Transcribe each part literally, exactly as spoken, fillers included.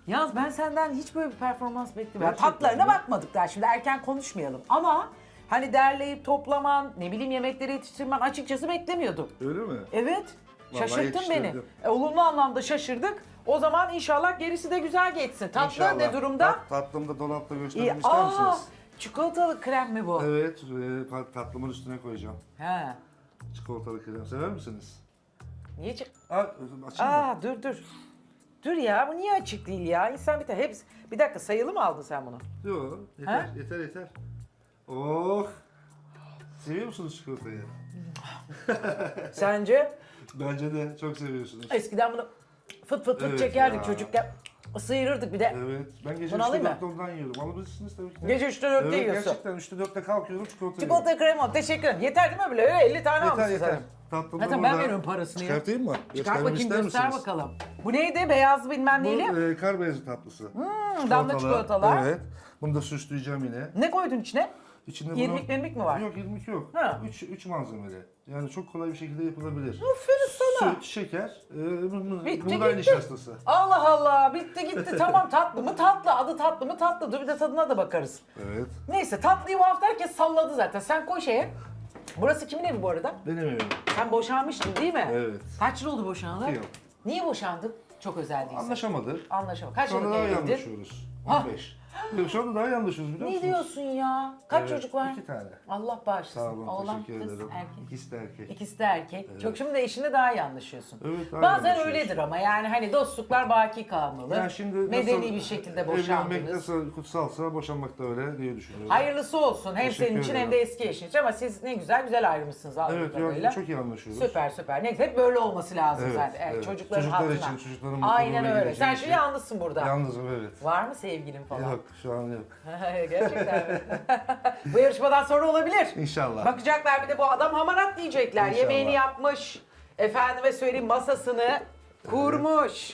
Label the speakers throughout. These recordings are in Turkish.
Speaker 1: Yalnız ben senden hiç böyle bir performans beklemiyorum.
Speaker 2: Gerçekten
Speaker 1: Tatlarına
Speaker 2: mi?
Speaker 1: bakmadık daha, şimdi erken konuşmayalım. Ama hani derleyip toplaman, ne bileyim yemekleri yetiştirmen açıkçası beklemiyordum.
Speaker 2: Öyle mi?
Speaker 1: Evet,
Speaker 2: Vallahi
Speaker 1: şaşırttın beni.
Speaker 2: yetiştirdim.
Speaker 1: E, olumlu anlamda şaşırdık. O zaman inşallah gerisi de güzel geçsin. Tatlı
Speaker 2: İnşallah.
Speaker 1: ne durumda?
Speaker 2: Tat, tatlımı da dolapta
Speaker 1: İyi.
Speaker 2: göstermek ister
Speaker 1: Aa,
Speaker 2: misiniz?
Speaker 1: çikolatalı krem mi bu?
Speaker 2: Evet, e, tatlımın üstüne koyacağım.
Speaker 1: He.
Speaker 2: Çikolatalı krem. Sever misiniz?
Speaker 1: Niye çık?
Speaker 2: Aa, açayım mı?
Speaker 1: Aa dur dur. Dur ya, bu niye açık değil ya? İnsan bir tane hepsi... Bir dakika, sayılı mı aldın sen bunu?
Speaker 2: Yok, yeter,
Speaker 1: Ha?
Speaker 2: yeter, yeter. Oh! Seviyor musunuz çikolatayı?
Speaker 1: Sence?
Speaker 2: Bence de çok seviyorsunuz.
Speaker 1: Eskiden bunu fıt fıt fıt
Speaker 2: Evet
Speaker 1: çekerdik
Speaker 2: ya.
Speaker 1: çocukken. Sıyırırdık bir de.
Speaker 2: Evet, ben gece
Speaker 1: Bunu alayım
Speaker 2: üçte
Speaker 1: mı?
Speaker 2: dörtte ondan yiyorum. Alabilirsiniz tabii ki de.
Speaker 1: Gece üçte dörtte
Speaker 2: evet,
Speaker 1: yiyorsun.
Speaker 2: gerçekten üçte dörtte kalkıyorum, çikolata yiyorum.
Speaker 1: Çikolata krem al. Teşekkür ederim. Yeter değil mi böyle? Öyle elli tane
Speaker 2: Yeter,
Speaker 1: almışsın
Speaker 2: yeter.
Speaker 1: sen.
Speaker 2: Tatlım
Speaker 1: Zaten
Speaker 2: da
Speaker 1: ben
Speaker 2: burada.
Speaker 1: veriyorum parasını ya.
Speaker 2: Çıkartayım mı?
Speaker 1: Çıkart
Speaker 2: Göstermemi
Speaker 1: bakayım,
Speaker 2: ister
Speaker 1: göster
Speaker 2: misiniz?
Speaker 1: bakalım. Bu neydi? Beyaz bilmem neyli.
Speaker 2: Bu e, kar beyazı tatlısı.
Speaker 1: Hmm, damla çikolatalar.
Speaker 2: Evet. Bunu da süsleyeceğim yine.
Speaker 1: Ne koydun içine?
Speaker 2: İçinde bunu...
Speaker 1: İrmik mirmik mi var?
Speaker 2: Yok, irmik yok.
Speaker 1: Ha.
Speaker 2: Üç, üç malzemeli. Yani çok kolay bir şekilde yapılabilir.
Speaker 1: Aferin sana.
Speaker 2: Süt, şeker, e, mı- mı-
Speaker 1: Bitti,
Speaker 2: buğday
Speaker 1: gitti.
Speaker 2: nişastası.
Speaker 1: Allah Allah, bitti gitti. Tamam, tatlı mı tatlı, adı tatlı mı tatlı. Dur bir de tadına da bakarız.
Speaker 2: Evet.
Speaker 1: Neyse, tatlıyı bu hafta herkes salladı zaten. Sen koy şeye. Burası kimin evi bu arada?
Speaker 2: Benim evim.
Speaker 1: Sen boşanmıştın değil mi?
Speaker 2: Evet.
Speaker 1: Kaç yıl oldu boşanalı?
Speaker 2: İki yıl.
Speaker 1: Niye boşandın? Çok özel değilsin.
Speaker 2: Anlaşamadık.
Speaker 1: Anlaşamadık. Kaç
Speaker 2: Şu anda
Speaker 1: yıllık
Speaker 2: daha iyi
Speaker 1: evliydin?
Speaker 2: anlaşıyoruz.
Speaker 1: Ha.
Speaker 2: on beş. Yok, şu anda daha iyi anlaşıyoruz biliyor
Speaker 1: Ne
Speaker 2: musunuz?
Speaker 1: diyorsun ya? Kaç
Speaker 2: Evet,
Speaker 1: çocuk var?
Speaker 2: İki tane.
Speaker 1: Allah bağışlasın.
Speaker 2: Sağ olun,
Speaker 1: Oğlan,
Speaker 2: teşekkür
Speaker 1: kız,
Speaker 2: ederim.
Speaker 1: erkek.
Speaker 2: İkisi de erkek.
Speaker 1: İkisi de erkek. Çok şimdi de eşinle daha iyi anlaşıyorsun.
Speaker 2: Evet, daha iyi
Speaker 1: Bazen
Speaker 2: anlaşıyoruz.
Speaker 1: öyledir ama yani hani dostluklar baki kalmalı.
Speaker 2: Ya şimdi
Speaker 1: Medeni
Speaker 2: nasıl
Speaker 1: bir şekilde
Speaker 2: Evlenmek
Speaker 1: boşandınız.
Speaker 2: nasıl kutsalsa boşanmak da öyle diye düşünüyorum.
Speaker 1: Hayırlısı olsun. Hem
Speaker 2: Teşekkür
Speaker 1: senin için hem
Speaker 2: ederim.
Speaker 1: de eski eşin için, ama siz ne güzel güzel ayrılmışsınız anladığım
Speaker 2: Evet,
Speaker 1: kadarıyla.
Speaker 2: ya, çok iyi anlaşıyoruz.
Speaker 1: Süper süper. Ne hep böyle olması lazım
Speaker 2: Evet,
Speaker 1: zaten. Evet,
Speaker 2: evet.
Speaker 1: Çocukların
Speaker 2: Çocuklar
Speaker 1: hatırına.
Speaker 2: için, çocukların
Speaker 1: Aynen
Speaker 2: mutluluğuyla
Speaker 1: öyle.
Speaker 2: ilgili
Speaker 1: Sen
Speaker 2: için.
Speaker 1: şimdi yalnızsın burada.
Speaker 2: Yalnızım, evet.
Speaker 1: Var mı sevgilin falan?
Speaker 2: Yok, şu an yok.
Speaker 1: Gerçekten mi? Bu yarışmadan sonra olabilir.
Speaker 2: İnşallah.
Speaker 1: Bakacaklar bir de bu adam hamarat diyecekler.
Speaker 2: İnşallah.
Speaker 1: Yemeğini yapmış. Efendime söyleyeyim, masasını kurmuş.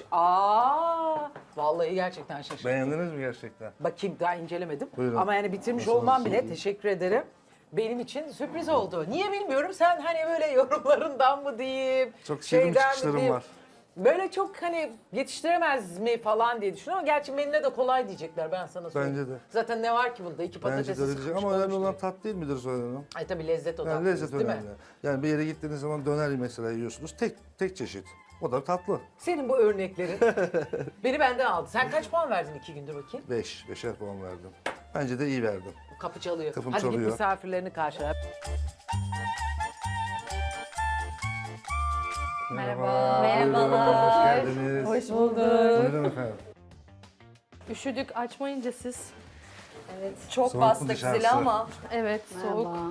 Speaker 1: Aa, vallahi gerçekten şaşırdım.
Speaker 2: Beğendiniz mi gerçekten?
Speaker 1: Bakayım, daha incelemedim.
Speaker 2: Buyurun.
Speaker 1: Ama yani bitirmiş
Speaker 2: Masanızı
Speaker 1: olmam bile,
Speaker 2: sileyim.
Speaker 1: teşekkür ederim. Benim için sürpriz oldu. Niye bilmiyorum, sen hani böyle yorumlarından mı diyeyim,
Speaker 2: Çok sevdiğim
Speaker 1: şeyden mi
Speaker 2: çıkışlarım
Speaker 1: diyeyim.
Speaker 2: var.
Speaker 1: Böyle çok hani yetiştiremez mi falan diye düşünüyorum ama gerçi menüne de kolay diyecekler, ben sana söyleyeyim.
Speaker 2: Bence de.
Speaker 1: Zaten ne var ki bunda? İki patatesi
Speaker 2: Bence de öyle diyecek
Speaker 1: sıkmış
Speaker 2: ama önemli
Speaker 1: koymuş
Speaker 2: olan
Speaker 1: diye.
Speaker 2: tat değil midir Zuhal Hanım?
Speaker 1: Ay tabii lezzet odaklı,
Speaker 2: Yani lezzet
Speaker 1: değil
Speaker 2: önemli.
Speaker 1: mi?
Speaker 2: Yani bir yere gittiğiniz zaman döner mesela yiyorsunuz. Tek tek çeşit. O da tatlı.
Speaker 1: Senin bu örneklerin beni benden aldı. Sen kaç puan verdin iki gündür bakayım?
Speaker 2: Beş. Beşer puan verdim. Bence de iyi verdim.
Speaker 1: Kapı çalıyor.
Speaker 2: Kapım
Speaker 1: Hadi git
Speaker 2: çalıyor.
Speaker 1: misafirlerini karşıla.
Speaker 3: Merhaba.
Speaker 2: Buyurun,
Speaker 3: Merhabalar.
Speaker 2: hoş geldiniz.
Speaker 3: Hoş bulduk.
Speaker 2: Buyurun efendim.
Speaker 3: Üşüdük, açmayınca siz.
Speaker 4: Evet, çok
Speaker 2: Soğuk mu
Speaker 4: bastık
Speaker 2: dışarısı?
Speaker 4: zili ama.
Speaker 3: Evet, soğuk.
Speaker 4: Merhaba.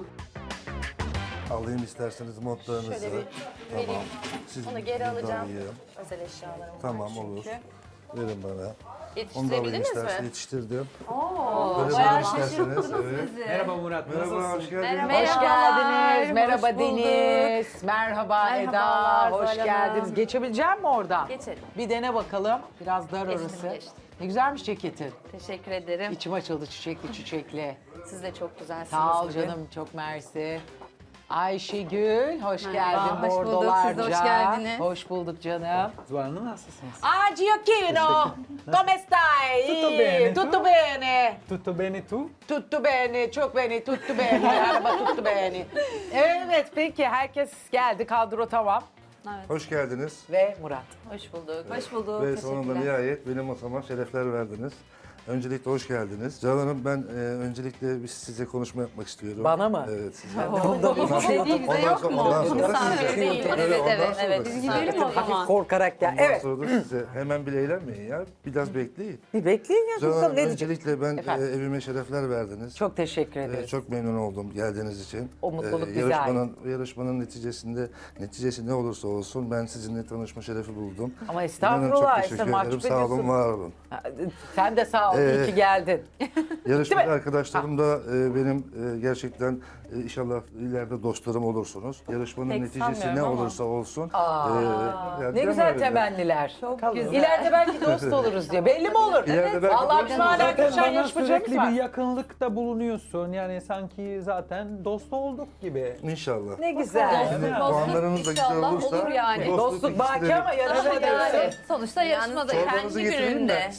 Speaker 2: Alayım isterseniz montlarınızı.
Speaker 4: Şöyle bir
Speaker 2: Tamam.
Speaker 4: vereyim.
Speaker 2: Siz
Speaker 4: Onu geri
Speaker 2: buradan
Speaker 4: alacağım.
Speaker 2: yiyin.
Speaker 4: Özel eşyalarım var
Speaker 2: Tamam,
Speaker 4: çünkü.
Speaker 2: olur. Verin bana. Onu da alayım
Speaker 4: Yetiştirebildiniz
Speaker 2: isterseniz.
Speaker 4: mi?
Speaker 2: Yetiştirdim.
Speaker 4: Oo,
Speaker 2: Böyle
Speaker 4: bayağı
Speaker 2: bana isterseniz.
Speaker 4: şaşırttınız
Speaker 2: Evet.
Speaker 4: bizi.
Speaker 5: Merhaba Murat,
Speaker 2: Merhaba,
Speaker 5: nasılsın?
Speaker 2: hoş geldiniz.
Speaker 4: Merhaba.
Speaker 1: Hoş geldiniz.
Speaker 3: Hoş
Speaker 1: Merhaba
Speaker 3: bulduk.
Speaker 1: Deniz. Merhaba Eda.
Speaker 3: Merhabalar,
Speaker 1: Hoş
Speaker 3: Zuhal
Speaker 1: geldiniz.
Speaker 3: Hanım.
Speaker 1: Geçebilecek mi oradan?
Speaker 4: Geçelim.
Speaker 1: Bir dene bakalım. Biraz dar
Speaker 4: Geçtim,
Speaker 1: orası.
Speaker 4: geçtim.
Speaker 1: Ne güzelmiş ceketin.
Speaker 4: Teşekkür ederim.
Speaker 1: İçim açıldı çiçekli çiçekli.
Speaker 4: Siz de çok güzelsiniz.
Speaker 1: Sağ ol
Speaker 4: bugün.
Speaker 1: canım, çok mersi. Ayşegül, hoş
Speaker 4: Merhaba,
Speaker 1: geldin
Speaker 4: hoş bulduk.
Speaker 1: bordolarca.
Speaker 4: Siz de hoş geldiniz.
Speaker 1: Hoş bulduk canım.
Speaker 5: Zuhal Hanım nasılsınız?
Speaker 1: Ah, Giochino, come stai?
Speaker 5: Tutto bene, tu?
Speaker 1: Tutto bene.
Speaker 5: Tutto bene tu?
Speaker 1: Tutto bene, çok bene, tutto bene. Araba tutto bene. Evet, peki herkes geldi, kadro tamam.
Speaker 2: Hoş geldiniz.
Speaker 1: Ve Murat.
Speaker 4: Hoş bulduk. Hoş bulduk.
Speaker 2: Ve sonunda
Speaker 4: Teşekkürler.
Speaker 2: nihayet benim masama şerefler verdiniz. Öncelikle hoş geldiniz. Zuhal Hanım, ben e, öncelikle bir size konuşma yapmak istiyorum.
Speaker 1: Bana mı?
Speaker 2: Evet, size.
Speaker 4: Bunda bir şey değil, bize yok mu?
Speaker 2: Ondan sonra da
Speaker 4: Misafir
Speaker 2: size.
Speaker 4: değil.
Speaker 2: Evet,
Speaker 4: Evet,
Speaker 2: ondan
Speaker 4: evet,
Speaker 2: sonra
Speaker 4: evet.
Speaker 2: da
Speaker 4: Biz
Speaker 2: size.
Speaker 4: gidelim o
Speaker 1: Hafif
Speaker 4: zaman.
Speaker 1: korkarak gel.
Speaker 2: Ondan
Speaker 1: Evet.
Speaker 2: sonra da size. Hemen bile eğlenmeyin ya. Biraz bekleyin.
Speaker 1: Bir bekleyin ya.
Speaker 2: Zuhal
Speaker 1: bakalım
Speaker 2: Hanım,
Speaker 1: ne diyecek?
Speaker 2: öncelikle ben e,
Speaker 1: Efendim?
Speaker 2: evime şerefler verdiniz.
Speaker 1: Çok teşekkür
Speaker 2: Ee,
Speaker 1: ederiz.
Speaker 2: Çok memnun oldum geldiğiniz için.
Speaker 1: O mutluluk bize
Speaker 2: yarışmanın, yarışmanın neticesinde, neticesi ne olursa olsun ben sizinle tanışma şerefi buldum.
Speaker 1: Ama
Speaker 2: İnanın
Speaker 1: estağfurullah,
Speaker 2: çok teşekkür
Speaker 1: Esra, mahcup
Speaker 2: ederim. Sağ olun,
Speaker 1: ediyorsun.
Speaker 2: var olun.
Speaker 1: Sen de sağ ol, iyi
Speaker 2: Ee,
Speaker 1: ki geldin.
Speaker 2: Yarışmacı
Speaker 1: mi?
Speaker 2: arkadaşlarım da e, benim e, gerçekten e, inşallah ileride dostlarım olursunuz. Yarışmanın
Speaker 4: Pek
Speaker 2: neticesi ne
Speaker 4: sanmıyorum ama.
Speaker 2: olursa olsun.
Speaker 1: Aa,
Speaker 2: e, yani
Speaker 1: Ne
Speaker 2: değil
Speaker 1: güzel
Speaker 2: mi?
Speaker 1: temenniler.
Speaker 4: Çok güzel.
Speaker 1: İleride belki dost oluruz diye. Belli mi olur?
Speaker 2: İleride belki
Speaker 1: Vallahi
Speaker 2: dost
Speaker 1: bizim hala
Speaker 2: oluruz.
Speaker 1: Gülşen
Speaker 5: Bana
Speaker 1: yarışmacımız
Speaker 5: sürekli
Speaker 1: var.
Speaker 5: bir yakınlıkta bulunuyorsun. Yani sanki zaten dost olduk gibi.
Speaker 2: İnşallah.
Speaker 1: Ne güzel.
Speaker 2: Şimdi
Speaker 4: Dostluk
Speaker 2: puanlarınız da güzel
Speaker 4: inşallah
Speaker 2: olursa
Speaker 4: olur yani.
Speaker 2: bu
Speaker 1: Dostluk
Speaker 2: ikisi
Speaker 1: baki
Speaker 2: de-
Speaker 1: ama yarışma
Speaker 4: Yani
Speaker 1: diyorsun.
Speaker 4: sonuçta yarışmada
Speaker 2: Çorbanızı
Speaker 4: kendi
Speaker 2: getirin de
Speaker 4: gününde.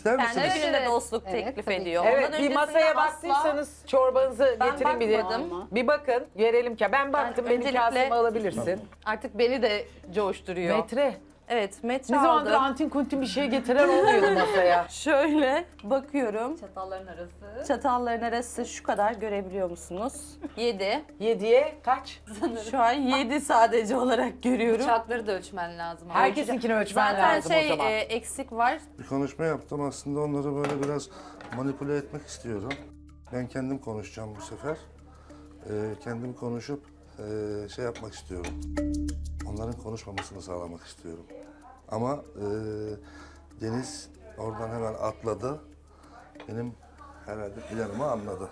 Speaker 2: İster
Speaker 4: Kendi
Speaker 2: misiniz?
Speaker 4: gününde
Speaker 3: Evet.
Speaker 4: dostluk
Speaker 6: Evet,
Speaker 4: teklif
Speaker 6: tabii ki.
Speaker 4: ediyor.
Speaker 1: Evet,
Speaker 4: Ondan
Speaker 1: bir
Speaker 4: öncesinde
Speaker 1: masaya
Speaker 4: asla-
Speaker 1: baktıysanız çorbanızı
Speaker 4: Ben
Speaker 1: getirin bir de.
Speaker 4: bakmadım.
Speaker 1: Bir bakın, görelim ki. Ben baktım,
Speaker 4: Ben
Speaker 1: benim
Speaker 4: öncelikle-
Speaker 1: kasemi alabilirsin.
Speaker 3: Artık beni de coşturuyor.
Speaker 1: Metre.
Speaker 4: Evet, metre
Speaker 1: Ne zamandır
Speaker 4: aldım.
Speaker 1: antin kuntin bir şey getiren olmuyordu masaya.
Speaker 4: Şöyle bakıyorum.
Speaker 6: Çatalların arası.
Speaker 4: Çatalların arası şu kadar görebiliyor musunuz? yedi.
Speaker 1: Yediye kaç?
Speaker 4: Şu an yedi sadece olarak görüyorum.
Speaker 6: Bıçakları da ölçmen lazım.
Speaker 1: Herkesinkini ölçmen
Speaker 4: Zaten
Speaker 1: lazım
Speaker 4: şey
Speaker 1: o zaman.
Speaker 4: e, eksik var.
Speaker 2: Bir konuşma yaptım. Aslında onları böyle biraz manipüle etmek istiyorum. Ben kendim konuşacağım bu sefer. Ee, kendim konuşup e, şey yapmak istiyorum. Onların konuşmamasını sağlamak istiyorum. Ama e, Deniz oradan hemen atladı. Benim herhalde planımı anladı.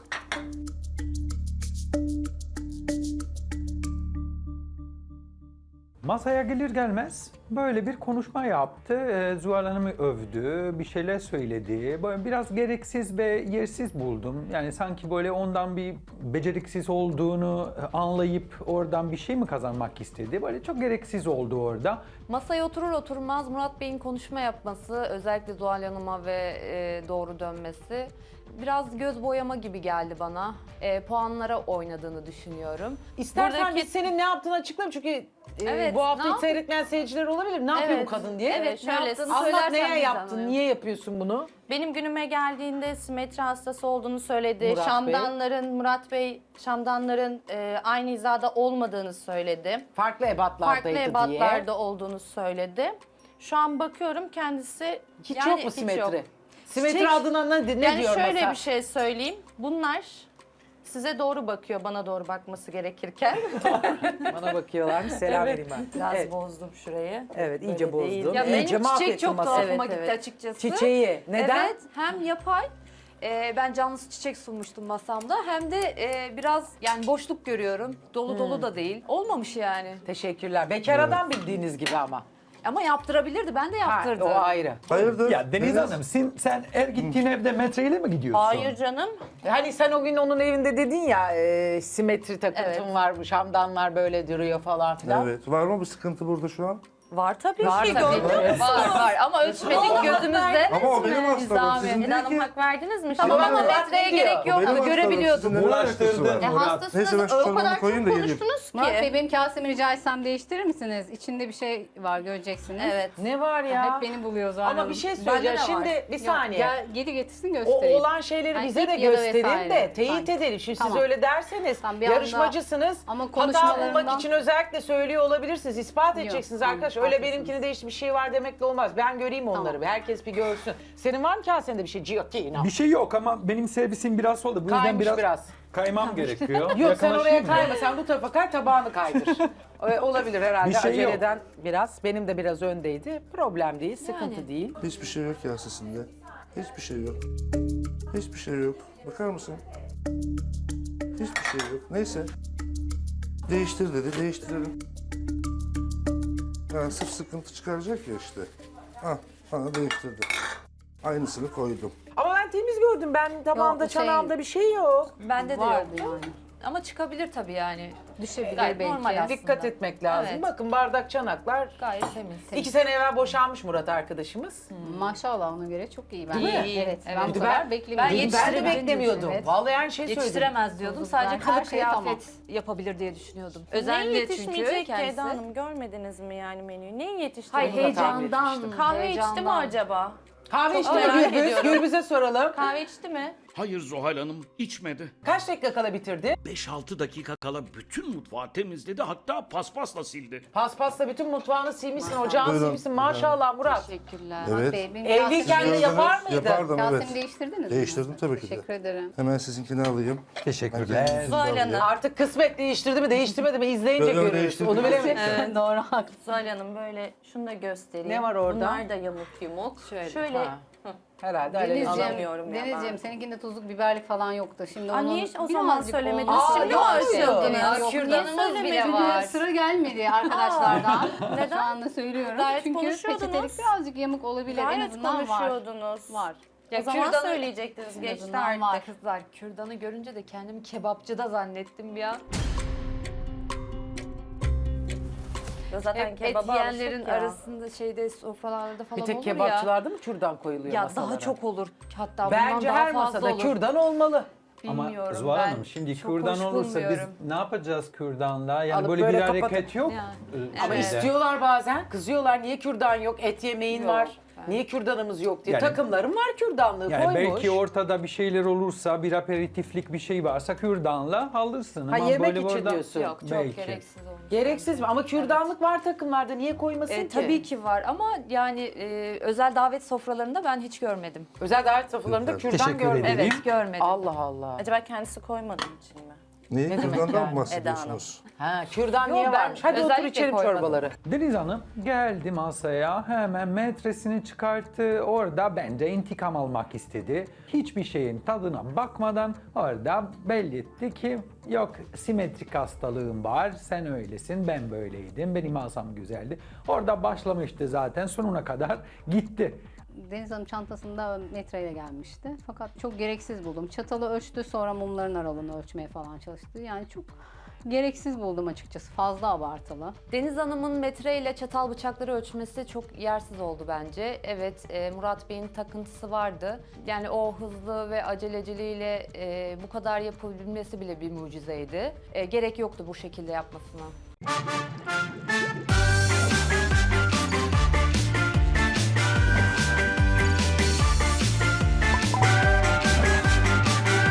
Speaker 5: Masaya gelir gelmez böyle bir konuşma yaptı. Ee, Zuhal Hanım'ı övdü, bir şeyler söyledi. Böyle biraz gereksiz ve yersiz buldum. Yani sanki böyle ondan bir beceriksiz olduğunu anlayıp oradan bir şey mi kazanmak istedi? Böyle çok gereksiz oldu orada.
Speaker 6: Masaya oturur oturmaz Murat Bey'in konuşma yapması, özellikle Zuhal Hanım'a ve e, doğru dönmesi biraz göz boyama gibi geldi bana. E, puanlara oynadığını düşünüyorum.
Speaker 1: İstersen
Speaker 6: Buradaki-
Speaker 1: biz senin ne yaptığını açıklayalım çünkü e,
Speaker 6: Evet,
Speaker 1: bu hafta
Speaker 6: ne
Speaker 1: hiç
Speaker 6: yap-
Speaker 1: seyretmeyen seyirciler olabilir. Ne yapıyor bu
Speaker 6: Evet,
Speaker 1: kadın diye.
Speaker 6: evet,
Speaker 4: şöyle
Speaker 6: ne yaptığını
Speaker 1: Anlat
Speaker 6: söylersen
Speaker 1: neye
Speaker 6: biz
Speaker 1: yaptın,
Speaker 6: anlayalım.
Speaker 1: niye yapıyorsun bunu?
Speaker 4: Benim günüme geldiğinde simetri hastası olduğunu söyledi.
Speaker 1: Murat Bey.
Speaker 4: Şamdanların, Murat Bey, şamdanların e, aynı hizada olmadığını söyledi.
Speaker 1: Farklı ebatlardaydı
Speaker 4: Farklı
Speaker 1: diye.
Speaker 4: ebatlarda olduğunu söyledi. Şu an bakıyorum kendisi...
Speaker 1: Hiç
Speaker 4: yani
Speaker 1: yok mu simetri?
Speaker 4: yok.
Speaker 1: Simetri
Speaker 4: Çiçek-
Speaker 1: adına ne, ne
Speaker 4: yani
Speaker 1: diyor
Speaker 4: şöyle
Speaker 1: mesela?
Speaker 4: bir şey söyleyeyim. Bunlar size doğru bakıyor, bana doğru bakması gerekirken.
Speaker 1: Bana bakıyorlarmış, selam vereyim ben.
Speaker 4: Biraz
Speaker 1: Evet.
Speaker 4: bozdum şurayı.
Speaker 1: Evet, iyice
Speaker 4: Böyle değil.
Speaker 1: bozdum.
Speaker 6: Ya
Speaker 1: İyice
Speaker 6: benim çiçek
Speaker 1: mahvettin
Speaker 6: çok
Speaker 1: masayı.
Speaker 6: tuhafıma
Speaker 4: Evet,
Speaker 6: gitti
Speaker 4: evet.
Speaker 6: açıkçası.
Speaker 1: Çiçeği. Neden?
Speaker 6: Evet, hem yapay, e, ben canlısı çiçek sunmuştum masamda, hem de e, biraz yani boşluk görüyorum. Dolu
Speaker 1: Hmm.
Speaker 6: dolu da değil. Olmamış yani.
Speaker 1: Teşekkürler. Bekar adam bildiğiniz gibi ama.
Speaker 6: Ama yaptırabilirdi, ben de
Speaker 1: Ha,
Speaker 6: yaptırdım.
Speaker 1: o ayrı.
Speaker 2: Hayırdır?
Speaker 5: Ya Deniz Hanım sen, sen her gittiğin evde metreyle mi gidiyorsun?
Speaker 4: Hayır canım.
Speaker 1: Hani sen o gün onun evinde dedin ya e, simetri takıntım
Speaker 4: Evet.
Speaker 1: var, şamdanlar böyle duruyor falan filan.
Speaker 2: Evet. Var mı bir sıkıntı burada şu an?
Speaker 4: Var tabii
Speaker 1: Var
Speaker 4: ki.
Speaker 1: tabii.
Speaker 4: Gördün mü?
Speaker 6: Var var ama ölçmedik gözümüzde.
Speaker 2: Ama o benim hastalığım. Sizin
Speaker 4: Eda
Speaker 2: değil
Speaker 4: Hanım
Speaker 2: ki.
Speaker 4: hak verdiniz mi?
Speaker 6: Tamam
Speaker 4: şimdi?
Speaker 6: ama
Speaker 1: Murat
Speaker 6: metreye
Speaker 1: ne diyor?
Speaker 6: gerek
Speaker 2: O benim
Speaker 6: yoktu,
Speaker 2: hastalığım.
Speaker 6: görebiliyordum.
Speaker 2: Sizin neler
Speaker 5: Uğraştırdın.
Speaker 2: alakası var?
Speaker 6: E,
Speaker 5: Murat.
Speaker 6: hastasınız,
Speaker 2: Neyse ben şu
Speaker 6: o
Speaker 2: çorbamı
Speaker 6: kadar çok
Speaker 2: koyayım da geleyim.
Speaker 6: konuştunuz ki.
Speaker 7: Murat Bey benim kasemi rica etsem değiştirir misiniz? İçinde bir şey var göreceksiniz.
Speaker 6: Evet.
Speaker 1: Ne var ya?
Speaker 7: Hep beni buluyor zaten.
Speaker 1: Ama bir şey
Speaker 6: Bende
Speaker 1: söyleyeceğim.
Speaker 6: de var.
Speaker 1: Şimdi bir saniye.
Speaker 7: Gel, geri getirsin
Speaker 1: O
Speaker 7: göstereyim.
Speaker 1: olan şeyleri
Speaker 7: Hani
Speaker 1: bize de
Speaker 7: ip ya da
Speaker 1: gösterin
Speaker 7: vesaire.
Speaker 1: de teyit
Speaker 7: Sanki.
Speaker 1: edelim. Şimdi siz
Speaker 7: Tamam.
Speaker 1: öyle derseniz
Speaker 7: Tamam, bir anda-
Speaker 1: yarışmacısınız.
Speaker 7: Ama
Speaker 1: Hata bulmak
Speaker 7: konuşmalarından-
Speaker 1: için özellikle söylüyor olabilirsiniz. İspat edeceksiniz
Speaker 7: tamam,
Speaker 1: arkadaş. Öyle
Speaker 7: haklısınız.
Speaker 1: benimkine değişti bir şey var demekle olmaz. Ben göreyim onları.
Speaker 7: Tamam.
Speaker 1: Bir. Herkes bir görsün. Senin var mı kasende bir şey? Yok ki inan.
Speaker 5: Bir şey yok ama benim servisim biraz soldu. Bu yüzden
Speaker 1: Kaymış
Speaker 5: biraz,
Speaker 1: biraz.
Speaker 5: kaymam gerekiyor.
Speaker 1: Yok sen oraya
Speaker 5: Yakınlaşayım mı?
Speaker 1: kayma. Sen bu tarafa kay, tabağını kaydır. Ee, Olabilir herhalde.
Speaker 5: Bir şey yok.
Speaker 1: Aceleden biraz. Benim de biraz öndeydi. Problem değil, sıkıntı
Speaker 6: Yani.
Speaker 1: değil.
Speaker 2: Hiçbir şey yok ya sesinde. Hiçbir şey yok. Hiçbir şey yok. Bakar mısın? Hiçbir şey yok. Neyse. Değiştir dedi, değiştirelim. Ha, sırf sıkıntı çıkaracak ya işte. Ha, bana değiştirdi. Aynısını koydum.
Speaker 1: Ama ben temiz gördüm. Ben tabağımda,
Speaker 7: Yok, şey-
Speaker 1: çanağımda bir şey yok.
Speaker 6: Bende de
Speaker 7: Vardı
Speaker 6: yok.
Speaker 7: yani.
Speaker 6: Ama çıkabilir tabii yani.
Speaker 7: Düşebilir
Speaker 6: Gayet
Speaker 7: belki.
Speaker 6: normal aslında.
Speaker 1: Dikkat etmek lazım.
Speaker 6: Evet.
Speaker 1: Bakın bardak, çanaklar.
Speaker 6: Gayet temiz.
Speaker 1: İki sene evvel boşanmış Murat arkadaşımız.
Speaker 7: Maşallah ona göre çok iyi bence.
Speaker 1: Değil mi?
Speaker 6: İyi,
Speaker 7: Evet.
Speaker 6: evet.
Speaker 7: Ben bu
Speaker 1: Ben-
Speaker 7: kadar
Speaker 6: ben
Speaker 7: beklemiyordum.
Speaker 1: Ben de
Speaker 6: yetiştirebileceğini
Speaker 1: beklemiyordum.
Speaker 7: Evet.
Speaker 1: Vallahi aynı şey söyledim.
Speaker 6: Yetiştiremez diyordum. Sadece
Speaker 7: Ben
Speaker 6: kılık
Speaker 7: her şeye tamam.
Speaker 6: kıyafet yapabilir diye düşünüyordum.
Speaker 4: Neyin
Speaker 6: Özellikle çünkü
Speaker 4: yetişmeyecek ki
Speaker 6: kendisi.
Speaker 4: Eda Hanım? Görmediniz mi yani menüyü? Neyin yetişti?
Speaker 6: Hayır
Speaker 1: Bunu da tahmin
Speaker 6: heyecandan.
Speaker 1: etmiştim.
Speaker 4: Kahve içti mi
Speaker 6: heyecandan.
Speaker 4: acaba?
Speaker 1: Kahve içti
Speaker 6: merak
Speaker 1: mi Gürbüz?
Speaker 6: ediyorum.
Speaker 1: Gürbüz'e soralım.
Speaker 4: Kahve içti mi?
Speaker 8: Hayır Zuhal Hanım içmedi.
Speaker 1: Kaç dakika kala bitirdi?
Speaker 8: beş altı dakika kala bütün mutfağı temizledi, hatta paspasla sildi.
Speaker 1: Paspasla bütün mutfağını silmişsin, ocağını
Speaker 2: Buyurun.
Speaker 1: silmişsin. Maşallah Murat.
Speaker 6: Teşekkürler.
Speaker 2: Evet.
Speaker 7: Bey, benim
Speaker 1: Evliyken de
Speaker 7: kasemi-
Speaker 1: yapar mıydı?
Speaker 2: Yapardım
Speaker 7: Kasemi
Speaker 2: evet.
Speaker 7: değiştirdiniz mi?
Speaker 2: Değiştirdim tabii ki de.
Speaker 7: Teşekkür ederim.
Speaker 2: Hemen sizinkini alayım.
Speaker 5: Teşekkürler.
Speaker 4: Zuhal Hanım.
Speaker 1: Artık kısmet değiştirdi mi değiştirmedi mi izleyince
Speaker 2: Yok, yok,
Speaker 1: görürüz.
Speaker 2: değiştirdim.
Speaker 1: Onu bilemeyiz.
Speaker 4: Evet.
Speaker 7: Doğru haklısın.
Speaker 4: Zuhal Hanım böyle şunu da göstereyim.
Speaker 1: Ne var orada?
Speaker 4: Bunlar da yamuk yumuk.
Speaker 6: Şöyle.
Speaker 4: Şöyle.
Speaker 1: Ha. Herhalde öyle
Speaker 7: Denizciğim,
Speaker 4: Alamıyorum ya ben.
Speaker 7: Denizciğim seninkinde tuzluk biberlik falan yoktu. Şimdi
Speaker 4: Aa,
Speaker 7: onun
Speaker 4: niye o zaman
Speaker 7: birazcık
Speaker 4: söylemediniz?
Speaker 7: oldu.
Speaker 1: Şimdi mi
Speaker 7: Aa,
Speaker 1: açtınız?
Speaker 7: yok, yok.
Speaker 6: Kürdanımız
Speaker 4: Niye
Speaker 6: bile
Speaker 7: Çünkü
Speaker 6: var.
Speaker 7: sıra gelmedi arkadaşlardan.
Speaker 4: Neden?
Speaker 7: Şu anda söylüyorum.
Speaker 4: Gayet
Speaker 7: Çünkü
Speaker 4: konuşuyordunuz.
Speaker 7: peçetelik birazcık yamuk olabilir. en
Speaker 4: Gayet
Speaker 7: azından var.
Speaker 4: konuşuyordunuz.
Speaker 7: Var.
Speaker 4: O zaman
Speaker 6: kürdanı-
Speaker 4: söyleyecektiniz. Geçti
Speaker 7: azından
Speaker 4: artık.
Speaker 7: var.
Speaker 6: Kızlar kürdanı görünce de kendimi kebapçıda zannettim ya.
Speaker 4: Zaten
Speaker 6: Hep et
Speaker 4: kebaba
Speaker 6: yiyenlerin
Speaker 4: alıştık ya.
Speaker 6: arasında şeyde sofralarda falan
Speaker 1: Bir tek
Speaker 6: olur ya.
Speaker 1: kebapçılarda mı kürdan koyuluyor
Speaker 6: Ya
Speaker 1: masalara?
Speaker 6: daha çok olur. Hatta
Speaker 1: Bence
Speaker 6: bundan daha
Speaker 1: her
Speaker 6: fazla
Speaker 1: masada
Speaker 6: olur.
Speaker 1: kürdan olmalı.
Speaker 5: Ama
Speaker 6: Bilmiyorum,
Speaker 5: Zuhal
Speaker 6: ben
Speaker 5: Hanım şimdi
Speaker 6: çok
Speaker 5: kürdan
Speaker 6: hoş
Speaker 5: olursa biz
Speaker 6: bulmuyorum.
Speaker 5: ne yapacağız kürdanla? Yani
Speaker 1: Alıp
Speaker 5: böyle,
Speaker 1: böyle
Speaker 5: bir
Speaker 1: kapatıp-
Speaker 5: hareket yok.
Speaker 6: Yani,
Speaker 5: e,
Speaker 1: Ama
Speaker 6: Evet.
Speaker 1: istiyorlar bazen. Kızıyorlar niye kürdan yok? Et yemeğin
Speaker 6: Yok,
Speaker 1: var.
Speaker 6: ben-
Speaker 1: Niye kürdanımız yok diye.
Speaker 5: Yani-
Speaker 1: Takımlarım var kürdanlığı
Speaker 5: Yani
Speaker 1: koymuş.
Speaker 5: belki ortada bir şeyler olursa, bir aperitiflik bir şey varsa kürdanla alırsın.
Speaker 1: Ha,
Speaker 5: Ama
Speaker 1: yemek
Speaker 5: böyle
Speaker 1: için
Speaker 5: burada-
Speaker 1: diyorsun.
Speaker 6: Yok çok
Speaker 5: Belki.
Speaker 6: gereksiz olmuş.
Speaker 1: Gereksiz mi? Ama kürdanlık var takımlarda. Niye koymasın
Speaker 6: E,
Speaker 1: ki?
Speaker 6: tabii ki var ama yani e, özel davet sofralarında ben hiç görmedim.
Speaker 1: Özel davet sofralarında
Speaker 2: Süper.
Speaker 1: kürdan
Speaker 5: Teşekkür
Speaker 1: görmedim.
Speaker 5: ederim.
Speaker 6: Evet görmedim.
Speaker 1: Allah Allah.
Speaker 4: Acaba kendisi koymadığı için mi?
Speaker 2: Neyi
Speaker 1: Ne demek
Speaker 2: kürdandan
Speaker 1: yani?
Speaker 2: mı bahsediyorsunuz?
Speaker 1: Ha, kürdan
Speaker 6: Yo,
Speaker 1: niye
Speaker 6: ben
Speaker 1: varmış? Hadi otur
Speaker 6: özellikle
Speaker 1: içelim
Speaker 6: koymadım.
Speaker 1: çorbaları.
Speaker 5: Deniz Hanım geldi masaya, hemen metresini çıkarttı. Orada bence intikam almak istedi. Hiçbir şeyin tadına bakmadan orada belli etti ki yok simetrik hastalığım var, sen öylesin, ben böyleydim, benim masam güzeldi. Orada başlamıştı zaten, sonuna kadar gitti.
Speaker 7: Deniz Hanım çantasında metreyle gelmişti. Fakat çok gereksiz buldum. Çatalı ölçtü, sonra mumların aralığını ölçmeye falan çalıştı. Yani çok gereksiz buldum açıkçası. Fazla abartılı.
Speaker 6: Deniz Hanım'ın metreyle çatal bıçakları ölçmesi çok yersiz oldu bence. Evet, e, Murat Bey'in takıntısı vardı. Yani o hızlı ve aceleciliğiyle e, bu kadar yapabilmesi bile bir mucizeydi. E, gerek yoktu bu şekilde yapmasına.